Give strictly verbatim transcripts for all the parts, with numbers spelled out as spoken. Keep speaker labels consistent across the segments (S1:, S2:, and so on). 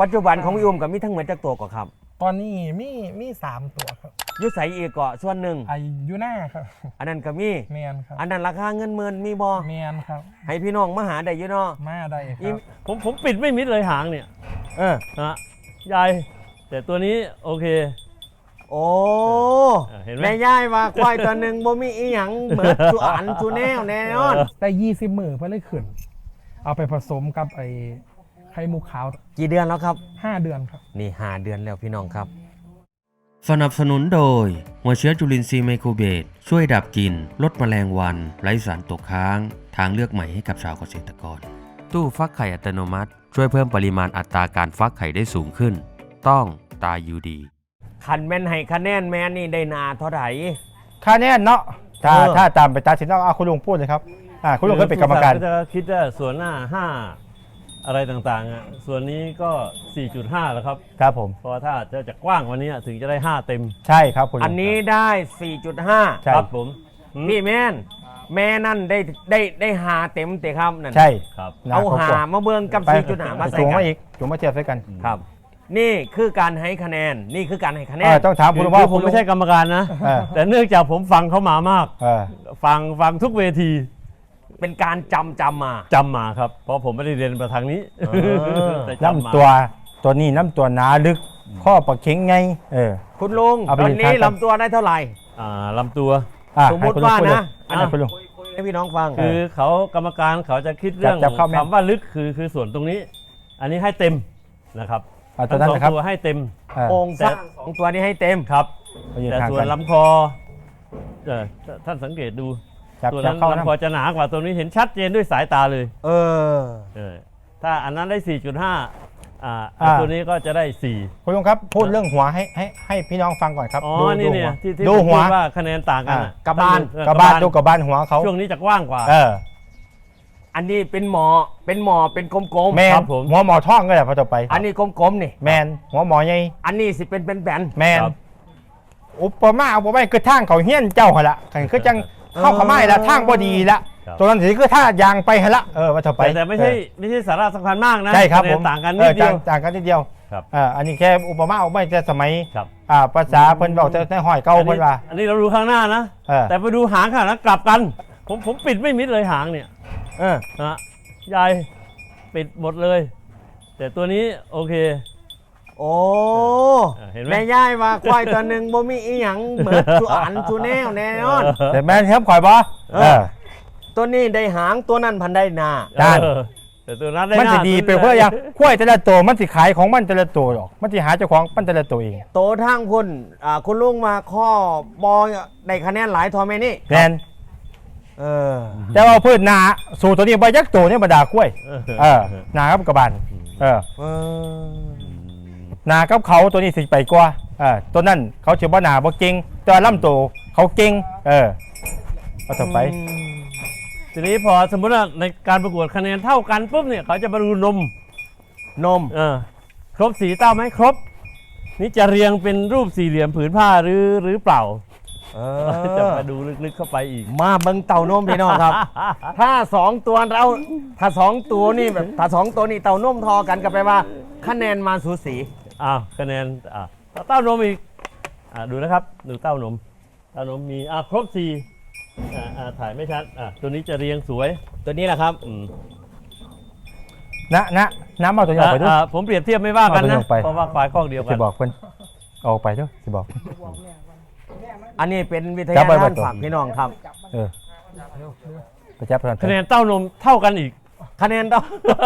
S1: ปัจจุบันของพี่อุ้มกับมีทั้งหมดจักตัวก่อครับ
S2: ตอนนี้มีมีสามตัวครับ
S1: ยุใสอีกเกาะส่วนหนึ่ง
S2: อายุหน้าครับ
S1: อันนั้นก็มี
S2: เมียนครับ
S1: อันนั้นราคาเงินหมื่นมีบ่
S2: เมียนครับ
S1: ให้พี่น้องมาหาได้อยู่เนาะ
S2: มาได้ครับ
S3: ผมผมปิดไม่มิดเลยหางเนี่ย
S1: เออ
S3: นะยายแต่ตัวนี้โอเค
S1: โอ้
S3: เห็นไหม
S1: แม่ย่ายว่าควายตัวหนึ่งบ่มีอีหยังเบิดสุอันสุแนวแน่นอน
S2: ได้ยี่สิบมือเพื่อเลยขึ้นเอาไปผสมกับไอ้ไข่มุกขาว
S1: กี่เดือนแล้วครับ
S2: ห้าเดือนครับ
S1: นี่ห้าเดือนแล้วพี่น้องครับ
S4: สนับสนุนโดยหัวเชื้อจุลินทรีย์ไมโครเบสช่วยดับกลิ่นลดแมลงวันไร้สารตกค้างทางเลือกใหม่ให้กับชาวเกษตรกรตู้ฟักไข่อัตโนมัติช่วยเพิ่มปริมาณอัตราการฟักไข่ได้สูงขึ้นต้องตายูดี
S1: คันแม่นให้คะแนนแม่นี่ได้นาเท่าไหร่
S2: คะแนนเนาะถ้าถ้าตามไปตัดสินต้องเอาคุณลุงพูดเลยครับอ่าคุณลุงเคยเป็นกรรมการ
S3: ก็จะคิดว่าส่วนหน้าห้าอะไรต่างๆอ่ะส่วนนี้ก็ สี่จุดห้า แล้วครับ
S2: ครับผม
S3: เพราะถ้าจะจะกว้างกว่านี้ถึงจะได้ห้าเต็ม
S2: ใช่ครับคุณ
S1: อันนี้ได้ สี่จุดห้า
S3: ครับผม
S1: พี่แม่นแม่นั่นได้ได้ได้หาเต็มเตะครับนั่น
S2: ใช่
S3: ครับ
S1: เอาหามาเบิ่งกับ สี่จุดห้า มาใส่
S2: กัน
S1: มา
S2: อีกจุ่มมาเทียบใส่กัน
S1: ครับนี่คือการให้คะแนนนี่คือการให้คะแนน
S2: ต้องถามคุณ
S3: ว่าผมไม่ใช่กรรมการนะแต่เนื่องจากผมฟังเขามามากฟังฟังทุกเวที
S1: เป็นการจำจำมา
S3: จำมาครับเพราะผมไม่ได้เรียนมาทางนี้
S2: น้ำตัวตัวนี้น้ำตัวหนาลึกข้อประเข็งไงเออ
S1: คุณลุงตอนนี้ลำตัวได้เท่าไหร่
S3: อ่าลำตัว
S1: สมมติว่านะ
S2: อันนี้คุณลุง
S1: ให้พี่น้องฟัง
S3: คือเขากรรมการเขาจะคิดเรื่องคำว่าลึกคือคือส่วนตรงนี้อันนี้ให้เต็มนะครับ
S2: ทั้งสอง
S3: ตัวให้เต็ม
S1: โครงสร้างของตัวนี้ให้เต็ม
S3: ครับแต่ส่วนลำคอท่านสังเกตดูตัวนั้นลำคอจะหนากว่าตัวนี้เห็นชัดเจนด้วยสายตาเลย
S1: เออ
S3: เออถ้าอันนั้นได้ สี่จุดห้า อ่าตัวนี้ก็จะได้สี่
S2: คุณลุงครับพูดเรื่องหัวให้ให้ให้พี่น้องฟังก่อนครับ
S3: อ๋อนี่เนี่ยที่
S2: ดูหัว
S3: ว่าคะแนนต่างกัน
S1: กระบาล
S2: กระบาลดูกระบาลหัวเขา
S3: ช่วงนี้จะกว้างกว่า
S2: เออ
S1: อันนี้เป็นหมอเป็นหมอเป็นกลม
S2: ๆแมนหัวหมอท่องก็ได้พอต่อไป
S1: อันนี้กลมๆนี่
S2: แมนหัวหมอไง
S1: อันนี้สิเป็นเป็นแบน
S2: แมนอุปมาอุปไมยคือทางเขาเฮี้ยนเจ้าหละคือจังเข้าเขาไม่ละทางบ่ดีละตัวนั้นสิคือท่ายางไปหละเออว่าต่อไป
S3: แต่ไม่ใช่ไม่ใช่สาระสำคัญมากนะ
S2: ใช่ครับผม
S3: ต่างกันนิดเดียว
S2: ต่างกันนิดเดียว
S3: ครับ
S2: อ่าอันนี้แค่อุปมาอุปไมยแต่สมัย
S3: ครับ
S2: อ่าภาษาเพิ่นบอกแต่ห้อยเก่าเพิ่นว่า
S3: อันนี้เราดูข้างหน้านะแต่ไปดูหางข้างหลังกลับกันผมผมปิดไม่มิดเลยหางเนี่ย
S1: เออ
S3: ฮะยายปิดหมดเลย แต่ตัวนี้โอเค
S1: โอ้แม่ย่ายว่าควายตัวหนึ่งบ่มีอีหยังเบิดสุอันสุแนวแน่นอน
S2: แต่แม่นครับข่อยบ่เออ
S1: ตัวนี้ได้หางตัวนั้นพันได้หน้า
S3: แต่ตัวนั้นได้
S2: หน้ามันสิดีไปเพื่อยังควายแต่ละตัวมันสิขายของมันแต่ละตัวหรอกมันสิหาเจ้าของมันแต่ละตัวเอง
S1: โตทางพุ่นอ่าคุณลุงมาข้อบอได้คะแนนหลายทอแม่นี่
S2: แม่นเออแต่ว่าเพิ่นหน้าสู่ตัวนี้บ่ยักตัวนี่บ่ด่าควายเออหน้ากับกระบาลเออหนากับเขาตัวนี้สิไปกว่าเออตัวนั้นเขาชื่อว่าหนาบ่เก่งตัวลำตัวเขาเก่งเออเอาต่อไป
S3: ทีนี้พอสมมติว่าในการประกวดคะแนนเท่ากันปุ๊บเนี่ยเขาจะมาดูนม
S1: นม
S3: เออครบสีเต้าไหมครบนี่จะเรียงเป็นรูปสี่เหลี่ยมผืนผ้าหรือหรือเปล่า
S1: เออ
S3: จะมาดูลึกๆเข้าไปอีก
S1: มาเบิ่งเต่านมพี่น้องครับ ถ้าสองตัวเราถ้าสองตัวนี่แบบถ้าสองตัวนี่เต่านมทอกันกันไปว่าคะแนนมาสูสี
S3: อ้าวคะแนนอ่าเต้านมอีกอ่าดูนะครับดูเต้านมเต้านมมีอ่าครบสี่อ่าอ่าถ่ายไม่ชัดอ่าตัวนี้จะเรียงสวย
S1: ตัวนี้แหละครับ
S3: อืม
S2: นะนะน้ำเอาตัวนี้ออกไปด้วย
S3: ผมเปรียบเทียบไม่ว่ากันนะเพราะว่าควายข้อเดียวกัน
S2: จะบอกเพิ่นออกไปด้วยจะบอก
S1: อันนี้เป็นวิทยาทานฝากพี่น้องครับ
S2: เออไปจับ
S3: คะแนนเต้านมเท่ากันอีก
S1: คะแนนเต้า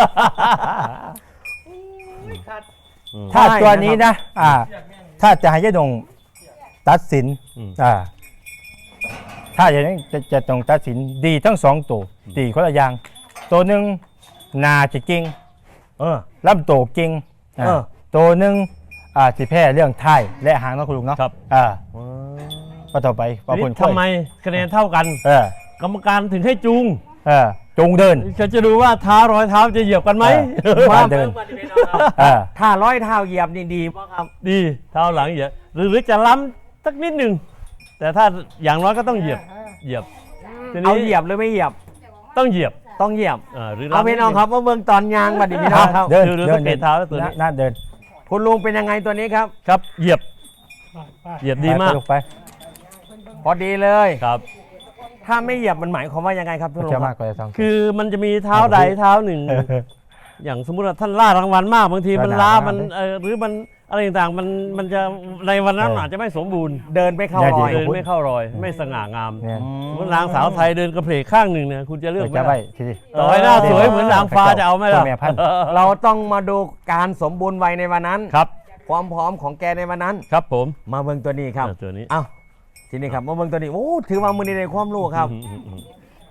S2: ถ้าตัวนี้นะอ่าถ้าจะให้ยะดงตัดสินอ่าถ้าอย่างนี้จะจะต้องตัดสินดีทั้งสองตัวดีคนละอย่างตัวหนึ่งนาจะเก่ง
S1: เออ
S2: ลำโตเก่งเออตัวหนึ่งอ่าสิแพ้เรื่องท้ายและหางนะคุณลุงเนาะ
S3: ครับ
S2: อ่าก็ต่อไป
S3: ทำไมคะแนนเท่ากัน
S2: เออก
S3: รรมการถึงให้จูง
S2: เออจูงเดิน
S3: จะจะดูว่าเท้ารอยเท้าจะเหยียบกันไหม
S2: มาเดิน
S1: ถ้าร้อยเท้าเหยียบนี่ดีป่ะครับ
S3: ดีเท้าหลังเหยียบหรือหรือจะล้ำสักนิดหนึ่งแต่ถ้าอย่างน้อยก็ต้องเหยียบเหยียบ
S1: เอาเหยียบหรือไม่เหยียบ
S3: ต้องเหยียบ
S1: ต้องเหยียบ
S3: อ่าหรือ
S1: เอาพี่น้องครับว่าเบื้องตอนยางบัดนี้พี่น้องครับ
S2: เดิน
S3: ดูดู
S2: เดิ
S3: สังเกตเท้าแล้วตัวนี้
S2: น่าเดิน
S1: คุณลุงเป็นยังไงตัวนี้ครับ
S3: ครับเหยียบเหยียบดีมาก
S2: ไปลูไป
S1: พอดีเลย
S3: ครับ
S1: ถ้าไม่เหยียบมันหมายความว่ายังไงครับพี่ลุง
S2: จะ
S1: ค
S2: มา
S1: รั
S2: ก
S1: บ
S2: กว่าจะต้อง
S3: คือมันจะมีเท้าใดเท้าหนึ่ง อย่างสมมุติว่าท่านล่ารางวัลมากบางทีมัน
S2: ระดับ
S3: ล้า
S2: มาก
S3: มัน
S2: เลย
S3: เออหรือมันอะไรต่างๆมันมันจะในวันนั้น
S2: เอออ
S3: อาจจะไม่สมบูรณ์
S1: เดินไปเข้ารอย
S3: เดินไม่เข้ารอย ไม่สง่างาม
S2: เนี่ย
S3: สมมตินางสาวไทยเดินกระเพลกข้างหนึ่งเนี่ยคุณจะเลือกไหม
S2: จะ
S3: ล่ะ
S2: ไปทีนี้
S3: ต่อให้หน้าสวยเหมือนนางฟ้าจะเอาไหมล่ะ
S2: ตัวแม่พันธุ์
S1: เราต้องมาดูการสมบูรณ์วัยในวันนั้น
S3: ครับ
S1: ความพร้อมของแกในวันนั้น
S3: ครับผม
S1: มาเบิ่งตัวนี้ครับ
S3: อ่าตัวนี้
S1: เอ้าทีนี้ครับมาเบิ่งตัวนี้โอ้ถือว่ามือในความรู้ครับ
S3: อืมอืมอืม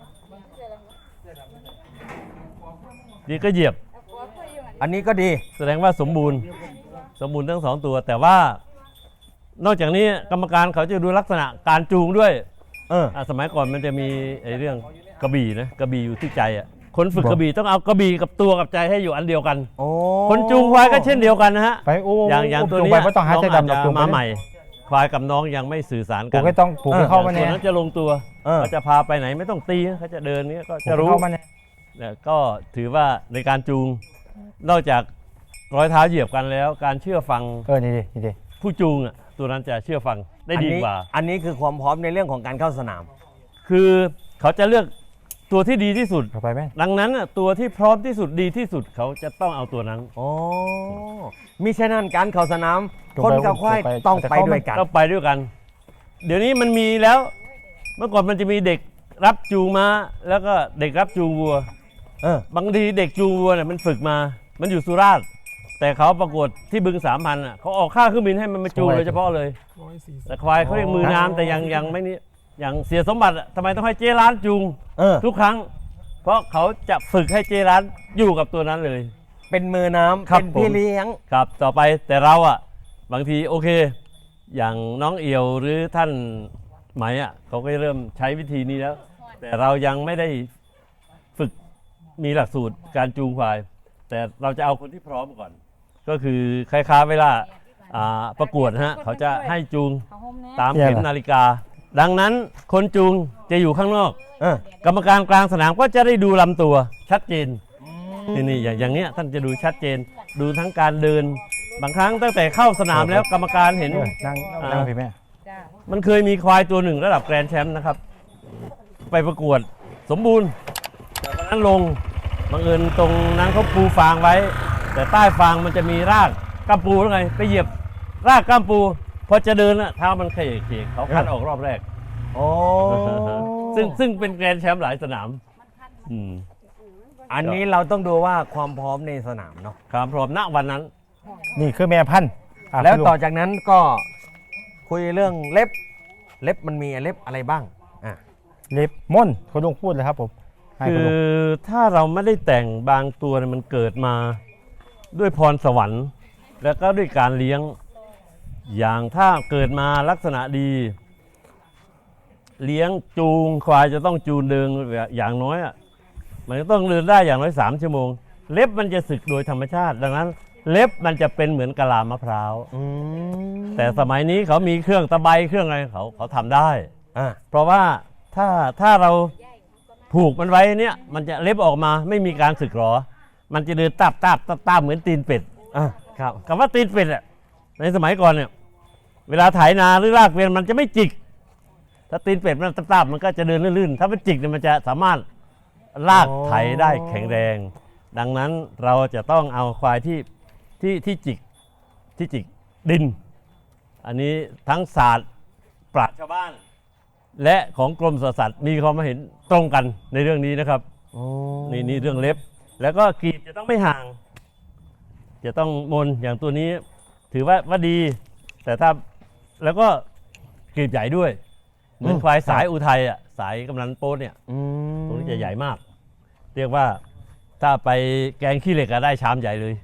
S3: นี่ก็เหยียบ
S1: อันนี้ก็ดี
S3: แสดงว่าสมบูรณ์สมบูรณ์ทั้งสองตัว แต่ว่านอกจากนี้กรรมการเขาจะดูลักษณะการจูงด้วย
S1: เออ
S3: อ่ะสมัยก่อนมันจะมีไอ้เรื่องกระบี่นะกระบี่อยู่ที่ใจอ่ะคนฝึก
S2: บอก
S3: กระบี่ต้องเอากระบี่กับตัวกับใจให้อยู่อันเดียวกัน
S1: โอ้
S3: คนจูงควายก็เช่นเดียวกันนะฮะ
S2: ไปโอ้
S3: อย่างอย่างตัว
S2: จูง
S3: นี้
S2: ไปไม่ต้องหา
S3: น้อง
S2: ใจ
S3: อาจ
S2: ดำหรอก
S3: จะ
S2: จูงไป
S3: มาใหม่ ควายกับน้องยังไม่สื่อสาร
S2: ปลู
S3: กั
S2: ก
S3: น
S2: ให้ต้องปลูกให้เข้ามา
S3: ตั
S2: เนี่
S3: วย นั้นจะลงตัว
S1: เออ
S3: เขาจะพาไปไหนไม่ต้องตีเขาจะเดินเนี้ยก็
S2: ปลูก
S3: จะ
S2: ให้
S3: รู้
S2: เข้ามาเนี่ย
S3: เนี่ยก็ถือว่าในการจูงนอกจากรอยเท้าเหยียบกันแล้ว การเชื่อฟัง
S2: เออนี่ดินี่ดิ
S3: ผู้จูงอ่ะตัวนั้นจะเชื่อฟังได้ดี
S1: อันนี้
S3: กว่า
S1: อันนี้คือความพร้อมในเรื่องของการเข้าสนาม
S3: คือเขาจะเลือกตัวที่ดีที่สุด
S2: เข้าไปไหม
S3: ดังนั้นน่ะตัวที่พร้อมที่สุดดีที่สุดเขาจะต้องเอาตัวนั้น
S1: โอ้มิฉะนั้นการเข้าสนาม คนกับควายต้องไปด้วยกัน
S3: ต้องไปด้วยกัน เดี๋ยวนี้มันมีแล้ว เมื่อก่อนมันจะมีเด็กรับจูงม้าแล้วก็เด็กรับจูงวัว
S1: เออ
S3: บางทีเด็กจูงวัวเนี่ยมันฝึกมา มันอยู่สุราษฎร์แต่เขาประกวดที่บึงสามพันอ่ะเขาออกค่าเครื่องบินให้มันมาจูงโดยเฉพาะเลย แต่ควายเขาเรียกมือน้ำแต่ยังยังไม่นี่อย่างเสียสมบัติอะทำไมต้องให้เจร้านจูง
S1: เออ
S3: ทุกครั้ง เพราะเขาจะฝึกให้เจร้านอยู่กับตัวนั้นเลย
S1: เป็นมือน้ำ
S3: ครับ
S1: เป็นพี่
S3: ผม
S1: เลี้ยง
S3: ครับต่อไปแต่เราอ่ะบางทีโอเค อย่างน้องเอียวหรือท่านไหมอ่ะเขาก็เริ่มใช้วิธีนี้แล้ว แต่เรายังไม่ได้ฝึกมีหลักสูตรการจูงควาย แต่เราจะเอาคนที่พร้อมก่อน ก็คือคล้ายๆเวลาอ่าประกวดนะฮะเขาจะให้จูงตามเข็มนาฬิกา ดังนั้นคนจูงจะอยู่ข้างนอก
S1: เออ
S3: กรรมการกลางสนามก็จะได้ดูลำตัวชัดเจนนี่นี่อย่างอย่างเนี้ยท่านจะดูชัดเจน ดูทั้งการเดิน บางครั้งตั้งแต่เข้าสนามแล้วกรรมการเห็น
S2: เออนั่ง
S3: อ่า
S2: นั่งพี่แม่
S3: มันเคยมีควายตัวหนึ่งระดับแกรนด์แชมป์นะครับ ไปประกวดสมบูรณ์แต่วันนั้นลงบังเอิญตรงนั้นเขาปูฟางไว้ แต่ใต้ฟางมันจะมีรากก้ามปูหรือไงไปเหยียบรากก้ามปู พอจะเดินอะเท้ามันเขยเขยเขาคัดออกรอบแรก
S1: โอ้
S3: ซึ่งซึ่งเป็นแกรนด์แชมป์หลายสนามอืม
S1: อันนี้เราต้องดูว่าความพร้อมในสนามเนาะ
S3: ความพร้อมณวันนั้น
S2: นี่คือแม่พันธุ์ะ
S1: แล้ว
S2: คุณ
S1: ต่อจากนั้นก็คุยเรื่องเล็บ เล็บมันมีเล็บอะไรบ้างอ่ะ
S2: เล็บม่อนคุณลุงพูดเลยครับผมให้
S3: คื
S2: คุณลุ
S3: อง ถ้าเราไม่ได้แต่งบางตัวเนี่ยมันเกิดมาด้วยพรสวรรค์ แล้วก็ด้วยการเลี้ยง อย่างถ้าเกิดมาลักษณะดี เลี้ยงจูงควายจะต้องจูงเดินอย่างน้อยอ่ะมันจะต้องเดินได้อย่างน้อยสามชั่วโมง เล็บมันจะสึกโดยธรรมชาติ ดังนั้น เล็บมันจะเป็นเหมือนกะลามะพร้าว
S1: อืม
S3: แต่สมัยนี้เขามีเครื่องตะไบเครื่องอะไรเขาเขาทำได้
S1: อ่ะ
S3: เพราะว่าถ้าถ้าเราผูกมันไว้เนี่ยมันจะเล็บออกมาไม่มีการสึกหรอ มันจะเดินตาบตาบตาบตาบเหมือนตีนเป็ด
S1: อ่ะครับ
S3: คำว่าตีนเป็ดอ่ะในสมัยก่อนเนี่ยเวลาไถนาหรือลากเกวียนมันจะไม่จิก ถ้าตีนเป็ดมันตาบตาบมันก็จะเดินลื่นๆถ้ามันจิกเนี่ยมันจะสามารถลากไถได้แข็งแรง ดังนั้นเราจะต้องเอาควายที่ที่ที่จิกที่จิกดิน อันนี้ทั้งศาสตร์ปราชญ์ชาวบ้าน และของกรมสวนสัตว์มีความเห็นตรงกันในเรื่องนี้นะครับ
S1: โอ้
S3: นี่นี่เรื่องเล็บ แล้วก็กรีบจะต้องไม่ห่าง จะต้องมนอย่างตัวนี้ ถือว่าว่าดี แต่ถ้าแล้วก็กรีบใหญ่ด้วย เหมือนควายสายอุทัยอ่ะสายกำนันโป๊ดเนี่ย
S1: อืม
S3: ตรงนี้จะใหญ่มาก เรียกว่าถ้าไปแกงขี้เหล็กก็ได้ชามใหญ่เลย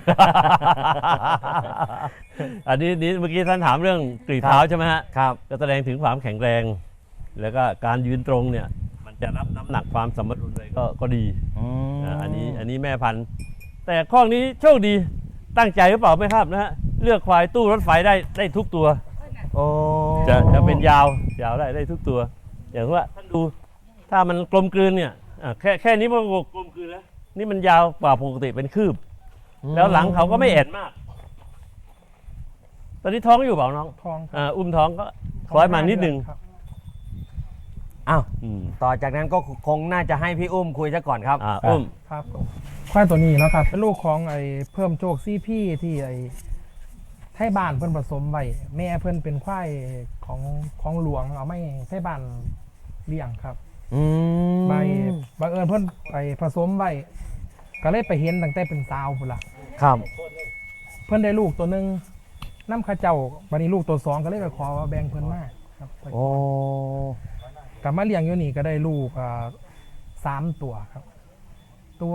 S3: อันนี้นี้เมื่อกี้ท่านถามเรื่องกรีบเท้าใช่ไหมฮะ
S1: ครับ
S3: ก็แสดงถึงความแข็งแรง แล้วก็การยืนตรงเนี่ยมันจะรับน้ำหนักความสมดุลเลยก็ก็ดี
S1: อืม
S3: อ่าอันนี้อันนี้แม่พันธุ์แต่ข้อนี้โชคดีตั้งใจหรือเปล่าไม่ทราบนะฮะเลือกควายตู้รถไฟได้ได้ทุกตัว
S1: โอ้
S3: จะจะเป็นยาวยาวได้ได้ทุกตัว อย่างว่าท่านดูถ้ามันกลมกลืนเนี่ยอ่ะแค่แค่นี้มันก็กลมกลืนแล้วนี่มันยาวกว่าปกติเป็นคืบ แล้วหลังเขาก็ไม่แอนมาก ตอนนี้ท้องอยู่เปล่าน้อง
S2: ทอง
S3: อ่าอุ้มท้องก็คล้อยมานิดนึง
S2: ครับ
S1: อ้าว
S3: อืม
S1: ต่อจากนั้นก็คงน่าจะให้พี่อุ้มคุยซะก่อนครับ
S3: อ่าอุ้ม
S2: ครับผมควายตัวนี้เนาะครับเป็นลูกของไอ้เพิ่มโจกซี่พี่ที่ไอ้ไทยบ้านเพิ่นผสมไว้แม่เพิ่นเป็นควายของของหลวงเอาไม่ไทยบ้านเลี้ยงครับ
S1: อืม
S2: ใบบังเอิญเพิ่นไปผสมไว้ก็เลยไปเห็นตั้งแต่เป็นสาวพุ่นล่ะ
S1: ครับ
S2: เพิ่นได้ลูกตัวหนึงน้ำข้าเจ้าบัดนี้ลูกตัวสองก็เลยไปขอว่าแบ่งเพิ่นมาครับ
S1: โอ้
S2: กลับมาเลี้ยงอยู่นี่ก็ได้ลูกอ่าสามตัวครับ ตัว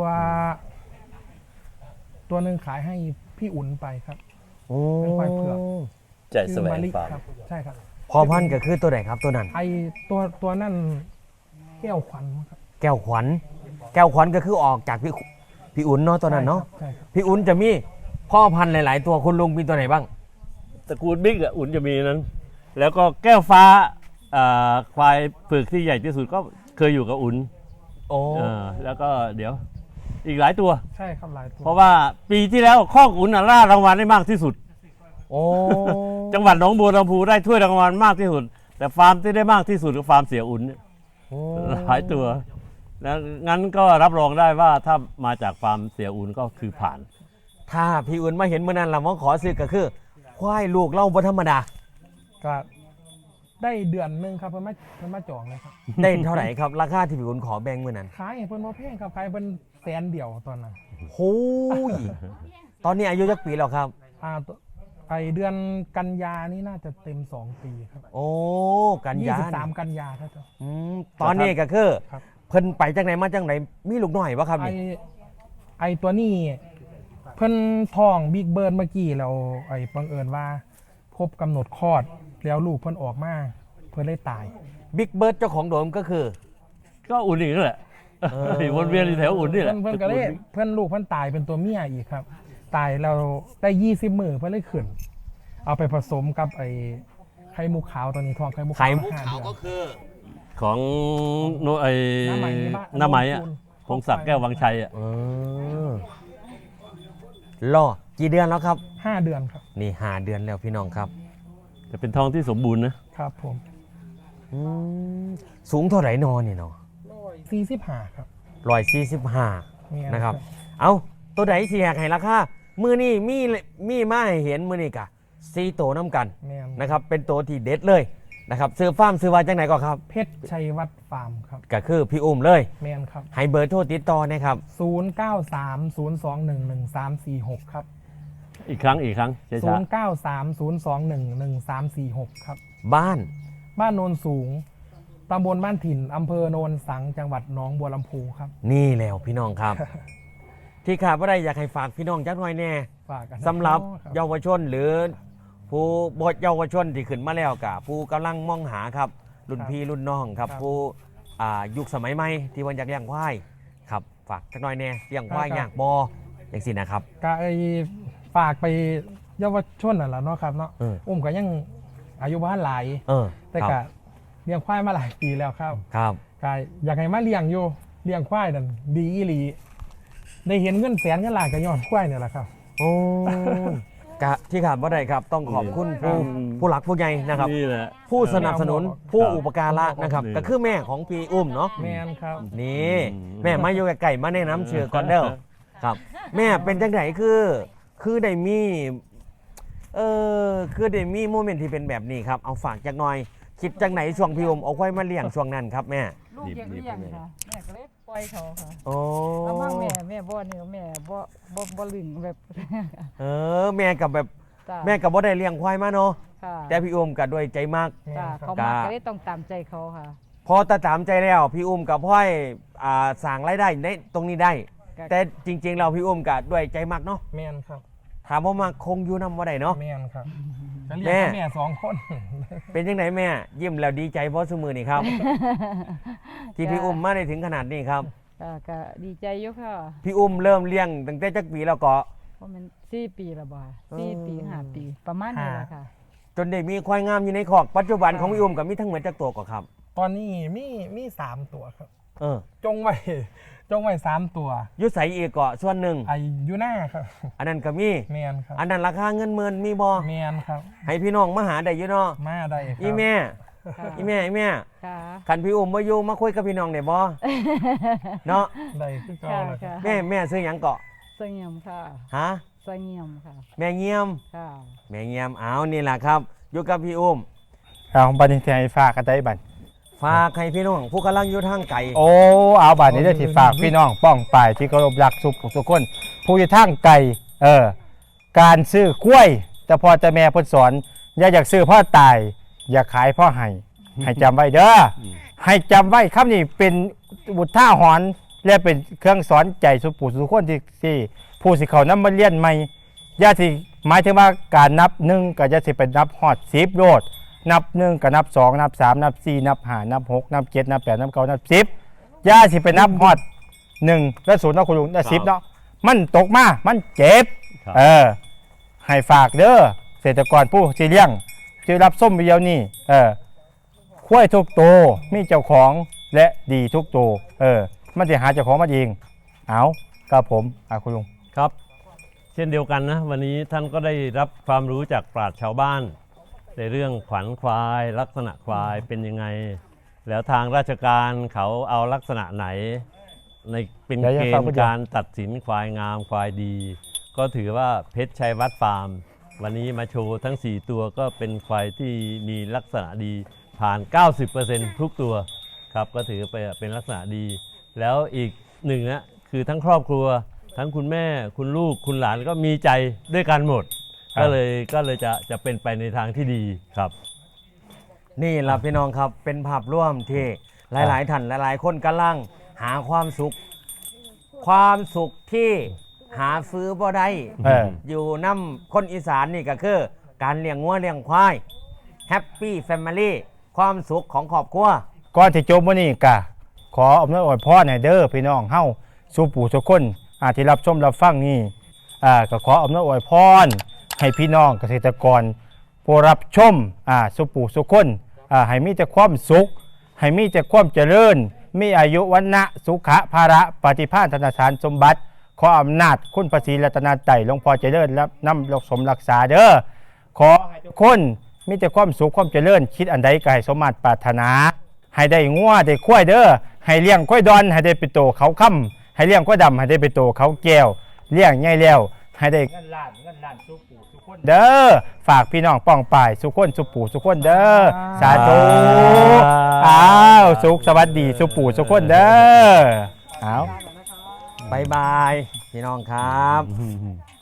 S2: ตัวหนึ่งขายให้พี่อุ่นไปครับ
S1: โอ้
S2: เป็นควายเผือก
S3: ใจแสวง
S2: มะลิ
S3: ฟาร์ม
S2: ครับใช่ครับ
S1: พอพันธุ์ก็คือตัวไหนครับตัวนั้น
S2: ไอตัวตัวนั่นแก้วขวัญครับ
S1: แก้วขวัญ แก้วขวัญก็คือออกจากพี่พี่อุ่นเนาะตัวนั้นเนาะ
S2: ใช่ครับ
S1: พี่อุ่นจะมีพ่อพันธุ์หลาย ๆ ตัวคุณลุงมีตัวไหนบ้าง
S3: ตระกูลบิ๊กอ่ะอุ่นจะมีนั้น แล้วก็แก้วฟ้าอ่าควายเผือกที่ใหญ่ที่สุดก็เคยอยู่กับอุ่น
S1: โอ้
S3: อ่าแล้วก็เดี๋ยวอีกหลายตัว
S2: ใช่ครับหลายตัว
S3: เพราะว่าปีที่แล้วข้อกอุ่นน่ะล่ารางวัลได้มากที่สุด
S1: โอ้
S3: จังหวัดหนองบัวลำพูได้ถ้วยรางวัลมากที่สุด แต่ฟาร์มที่ได้มากที่สุดคือฟาร์มเสียอุ่นเนี่ย
S1: โอ้
S3: หลายตัวแล้วงั้นก็รับรองได้ว่าถ้ามาจากฟาร์มเสียอุ่นก็คือผ่าน
S1: ถ้าพี่อุ่นมาเห็นเมื่อนั้นเราว่าขอซื้อก็คือ ควายลูกเล่าบ่ธรรมดา
S2: ก็ได้เดือนหนึงครับเพิ่นมาเพิ่นมาจองเลยครับ
S1: ได้เท่าไหร่ครับ ราคาที่พี่อุ่นขอแบ่งเมื่อนั้น
S2: ขายให้เพิ่นบ่แพงครับขายเพิ่นแสนเดียวตอนนั้น
S1: โอ้ย ตอนนี้อายุจักปีแล้วครับ
S2: อ่าตัวไอเดือนกันยานี่น่าจะเต็มสองปีครับ
S1: โอ้ กัน
S2: ยี่
S1: ยา
S2: สิบสามกันยาครับเจ้า
S1: อืมตอนนี้ก็คือ
S2: ครับ
S1: เพิ่นไปจังไหนมาจังไหนมีลูกน้อยวะครับ
S2: ไอ
S1: นี่
S2: ไอตัวนี้เพิ่นท้องบิ๊กเบิร์ดเมื่อกี้แล้วไอบังเอิญว่า พบกำหนดคลอดแล้วลูกเพิ่นออกมาเพิ่นเลยตาย
S1: บิ๊กเบิร์ดเจ้าของโดมก็คือ
S3: ก็อุ่นอีกนั่นแหละ
S1: เออ
S3: วนเวียนอยู่แถวอุ่นนี่แห
S2: เพิ่
S3: ละ
S2: นเพิ่นก็เลยเพิ่นลูกเพิ่นตายเป็นตัวเมียอีกครับ ตายแล้วได้ยี่สิบมือเพิ่นเลยขึ้น เอาไปผสมกับไอไข่มุกขาวตัวนี้ทองไข่มุก
S1: ไข่
S2: ขาว
S1: มุก
S2: ห้
S1: ขาว
S2: เดือน
S1: ก็คือ
S3: ของโนไอ้
S2: น้ำไหมในบ้าน
S3: น้าไหมอ่ะ
S2: ปูน
S3: พงศักดิ์แก้ววังชัยอ่ะ
S1: เออรอกี่เดือนแล้วครับ
S2: ห้าเดือนครับ
S1: นี่ห้าเดือนแล้วพี่น้องครับ
S3: จะเป็นทองที่สมบูรณ์นะครับ
S2: ผม
S1: อืมสูงเท่าไหร่นอนนี่เนาะ
S2: สี่สิบห้าครับ
S1: ร้อยสี่สิบห้า
S2: เนี่ย
S1: นะครับ เอาตัวไหนที่อยากให้ราคามือนี่มีมีมาให้เห็นมือนี่กะซีโตวน้ำกัน
S2: แม่น
S1: นะครับ เป็นตัวที่เด็ดเลยนะครับซื้อฟาร์มซื้อว่าจังไหนก็ครับ
S2: เพชรชัยวัฒน์ฟาร์มครับ
S1: ก็คือพี่อุ้มเลย
S2: แมนครับ
S1: ให้เบอร์โทรติดต่อนะครับ
S2: ศูนย์ เก้า สาม ศูนย์ สอง หนึ่ง หนึ่ง สาม สี่ หก ครับ
S3: อีกครั้งอีกครั้งช้า
S2: ศูนย์ เก้า สาม ศูนย์ สอง หนึ่ง หนึ่ง สาม สี่ หก ครับ
S1: บ้าน
S2: บ้านโนนสูง ตำบลบ้านถิ่น อำเภอโนนสัง จังหวัดหนองบัวลำพูครับ
S1: นี่แล้วพี่น้องครับ ที่ขาดว่าได้อยากให้ฝากพี่น้องจักหน่อยแน่
S2: ฝากกันนะ
S1: สำหรับ
S2: ครับ
S1: เยาวชนหรือ ผู้บทเยาวชนที่ขึ้นมาแล้วกับผู้กำลังมองหาครับ รุ่นพี่รุ่นน้องครับ
S2: ครับ
S1: ผู้อ่ายุคสมัยใหม่ที่วันอยากเลี้ยงควายครับฝากจักหน่อยแน่เลี้ยงควาย
S2: ครับ
S1: อยากบออย่างสินะครับ
S2: ก็ไอฝากไปเยาวชนน่ะแหละเนาะครับเนาะ
S1: เออ
S2: อุ้มก็ยังอายุบ้านหลาย
S1: เออ
S2: แต่
S1: ค
S2: ก็
S1: รับ
S2: เลี้ยงควายมาหลายปีแล้วครับ
S1: ครับ
S2: ก็อยากให้มาเลี้ยงอยู่เลี้ยงควายนั่นดีอีหลีได้เห็นเงินแสนเงินล้านก็ย้อนควายเนี่ยแหละครับ
S1: โอ้ยกะที่ขาดว่าได้ครับ ต้องขอบคุณผู้ผู้หลักผู้ใหญ่นะครับ
S3: นี่แหละ
S1: ผู้สนับสนุนผู้อุปการะนะครับ
S3: นี่
S1: ก็คือแม่ของพี่อุ้มเนาะ
S2: แมนครับ
S1: นี่
S3: อืม
S1: แม่มาอยู่ไก่มาแนะน้ำเชื่อก่อนเด้อครับ แม่เป็นจังไหนคือ คือได้มีเออคือได้มีโมเมนต์ที่เป็นแบบนี้ครับเอาฝากจักหน่อย คิดจังไหนช่วงพี่อุ้มเอาไว้มาเลี้ยงช่วงนั้นครับแม่
S5: ลูกอยากเลี้ยงค่ะแม่ก็เลยปล่อยเขาค่ะ
S1: โอ้
S5: แล้วมั่งแม่แม่บ่เนี่ยแม่บ่บ่บ่ลึงแบบ
S1: เออแม่กับแบบ
S5: จ้า
S1: แม่กับบ่ได้เลี้ยงควายมาเนาะ
S5: ค่ะ
S1: แต่พี่อุ้มกับด้วยใจมาก
S5: จ้า
S2: ครั
S5: เขา
S2: บ
S5: มา
S1: จ้า
S5: ก็เลยต้องตามใจเขาค่ะ
S1: พอตาตามใจแล้วพี่อุ้มกับพ่อยอ่าสั่งรายได้ในตรงนี้ได้
S5: ก็
S1: แต่จริง ๆ เราพี่อุ้มกับด้วยใจมากเนาะ
S2: แมนครับ
S1: ถามว่ามาคงอยู่นำว่าได้เนาะ
S2: แมนครับจะเลี้ยง
S1: แม่
S2: กับแม่สองคน
S1: เป็นยังไงแม่ ยิ้มแล้วดีใจเพราะสมือนี่ครับ ที่พี่อุ้มมาได้ถึงขนาดนี้ครับ
S5: ก็ก็ดีใจอยู่ค่ะ
S1: พี่อุ้มเริ่มเลี้ยงตั้งแต่จักปีแล้วก็
S5: เพราะมันสี่ปีและบ่
S1: เออ
S5: สี่ปีห้าปี ประมาณนี้แหละค่ะ
S1: จนได้มีควายงามอยู่ในคอกปัจจุบันของพี่อุ้มกับมีทั้งหมดจักตัวก็ครับ
S2: ตอนนี้มีมีสามตัวครับ
S1: เออ
S2: จงไว้จงไว้สามตัว
S1: อยุใสอีกเกาะส่วนหนึ่ง
S2: ไอ้อยู่หน้าครับ
S1: อันนั้นก็มี
S2: แมนครับ
S1: อันนั้นราคาเงินหมื่นมีบ่
S2: แมนครับ
S1: ให้พี่น้องมาหาได้อยู่เนาะ
S2: มาได้ครับ
S1: อีแม่
S5: ค่ะ
S1: อีแม่อีแม่
S5: ค่ะ
S1: คันพี่อุ้มมาอยู่มาคุยกับพี่น้องได้บ่เนาะ
S2: ได้คือเก่า
S5: ค่ะ
S2: เลยครับ
S5: ค่ะ
S1: แม่แม่ซื้อหยังเกาะ
S5: สงเงียมค่ะ
S1: ฮะ
S5: สงเงียมค่ะ
S1: แม่เงียม
S5: ค่ะ
S1: แม่เงียมเอานี่แหละครับอยู่กับพี่อุ้ม
S2: เอาบัดนี้ที่ให้ฝากกันได้บัด
S1: ฝากให้พี่น้องผู้กำลังอยู่ทางไกล
S2: โอ้เอาบัดนี้ได้ที่ฝากพี่น้องป้องปายที่เคารพรักสุขทุกคนผู้อยู่ทางไกลเออการซื้อกล้วยแต่พอจะแม่เพิ่นสอนอย่าอยากซื้อพ่อตาย อย่าขายพ่อให้ให้จำไว้เด้อให้จำไว้คำนี้เป็นบุตรท่าหอนและเป็นเครื่องสอนใจสุปู่สุคนที่ที่ผู้สิเขานำมาเรียนใหม่อย่าสิหมายถึงว่าการนับหนึ่งก็จะสิเป็นนับฮอดสิบโลดนับหนึ่งก็นับสองนับสามนับสี่นับห้านับหกนับเจ็ดนับแปดนับเก้านับสิบอย่าสิไปนับฮอดหนึ่งและศูนย์นะคุณลุงและสิบเนาะมันตกมามันเจ็บ
S3: ครับ
S2: เออให้ฝากเด้อเกษตรกรผู้สิเลี้ยงที่รับส้มวิดีโอนี้เออคุ้ยทุกตัวมีเจ้าของและดีทุกตัวเออมันจะหาเจ้าของมาเองเอาครับผมอาคุณลุง
S3: ครับ เช่นเดียวกันนะวันนี้ท่านก็ได้รับความรู้จากปราชญ์ชาวบ้าน ในเรื่องขวัญควายลักษณะควายเป็นยังไง แล้วทางราชการเขาเอาลักษณะไหน ในเป็น
S2: เดี๋ยว
S3: เก
S2: จะฟัง
S3: ณ
S2: ผู้
S3: ฑ์
S2: เดียว
S3: การตัดสินควายงามควายดี ก็ถือว่าเพชรชัยวัฒน์ฟาร์ม วันนี้มาโชว์ทั้ง สี่ ตัวก็เป็นควายที่มีลักษณะดีผ่าน เก้าสิบเปอร์เซ็นต์ ทุกตัวครับก็ถือไปเป็นลักษณะดี แล้วอีกหนึ่งนะคือทั้งครอบครัว ทั้งคุณแม่คุณลูกคุณหลานก็มีใจด้วยกันหมด ก็เลยก็เลยจะจะเป็นไปในทางที่ดีครับ
S1: นี่ล่ะพี่น้องครับเป็นภาพร่วมที่หลายๆท่านหลายๆ คนกำลังหาความสุข ความสุขที่หาซื้อบ่ได้
S2: เออ
S1: อยู่น้ำคนอีสานนี่ก็คือ การเลี้ยงงัวเลี้ยงควายแฮปปี้แฟมิลี่ความสุขของครอบครัว
S2: ก่อนที่จบวันนี้กะขออำนวยอวยพรให้เด้อพี่น้องเฮาสู่ปู่ทุกคนอาที่รับชมรับฟังนี่อ่าก็ขออำนวยอวยพรให้พี่น้องเกษตรกรผู้รับชมอ่าสู่ปู่ทุกคนอ่าให้มีแต่ความสุข ให้มีแต่ความเจริญ มีอายุวันนะสุขะภาระปฏิภาณธนสารสมบัติ ขออำนาจคุณพระศรีรัตนตรัยหลวงพ่อเจริญและนำรกสมรักษาเด้อขอให้ทุกคนมีแต่ความสุขความเจริญคิดอันใดก็ให้สมมาตรปรารถนา ให้ได้งัวได้ควายเด้อให้เลี้ยงควายดอนให้ได้ไปโตเขาค่ำให้เลี้ยงควายดำให้ได้ไปโตเขาแก้วเลี้ยงใหญ่แล้วให้ได้เงินล้านเงินล้านสุปู่สุคนเด้อฝากพี่น้องป้องป่ายสุคนสุปู่สุคนเด้อสาธุอ้าวสุขสวัสดีสุปู่สุคนเด้ออ้าว
S1: บายบาย พี่น้องครับ